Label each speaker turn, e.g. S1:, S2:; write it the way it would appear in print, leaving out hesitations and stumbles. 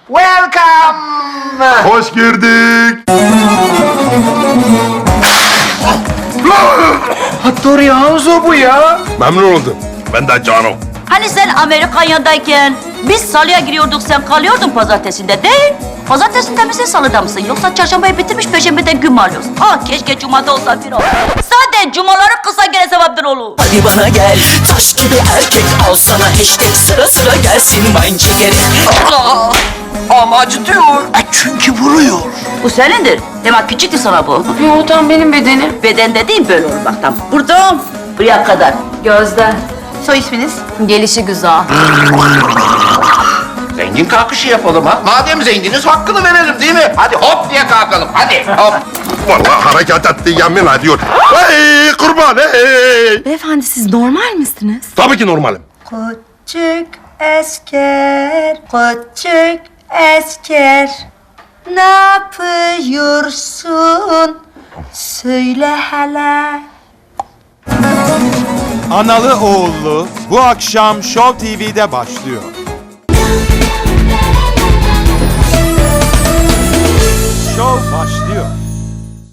S1: Welcome.
S2: Hoş girdik.
S1: Hattori Hanzo bu ya.
S2: Memnun oldum. Ben de Cano.
S3: Hani sen Amerika'dayken biz salıya giriyorduk, sen kalıyordun pazartesinde değil? Pazartesinde misin, salıda mısın? Yoksa çarşambayı bitirmiş, perşembeden gün mü alıyorsun? Ah, keşke cumada olsa bir ol. Zaten cumaları kısa gene sevaptır oğlum.
S4: Hadi bana gel, taş gibi erkek, al sana hashtag, sıra sıra gelsin wine çekeri.
S1: Ama acıtıyor. Çünkü vuruyor.
S3: Bu senindir. Hemen küçüktü sana bu.
S5: Yo, tam benim bedenim.
S3: Beden dediğim böyle olur bak tam. Buradan buraya kadar.
S5: Gözde.
S3: Soy isminiz?
S5: Gelişi güzel.
S1: Zengin kalkışı yapalım ha. Madem zenginiz hakkını verelim değil mi? Hadi hop diye kalkalım. Hadi hop.
S2: Vallahi hareket etti, yemin ediyor. Hey kurban hey.
S5: Beyefendi, siz normal misiniz?
S2: Tabii ki normalim.
S3: Küçük asker, küçük asker. Ne yapıyorsun? Söyle hele.
S6: Analı Oğullu bu akşam Show TV'de başlıyor.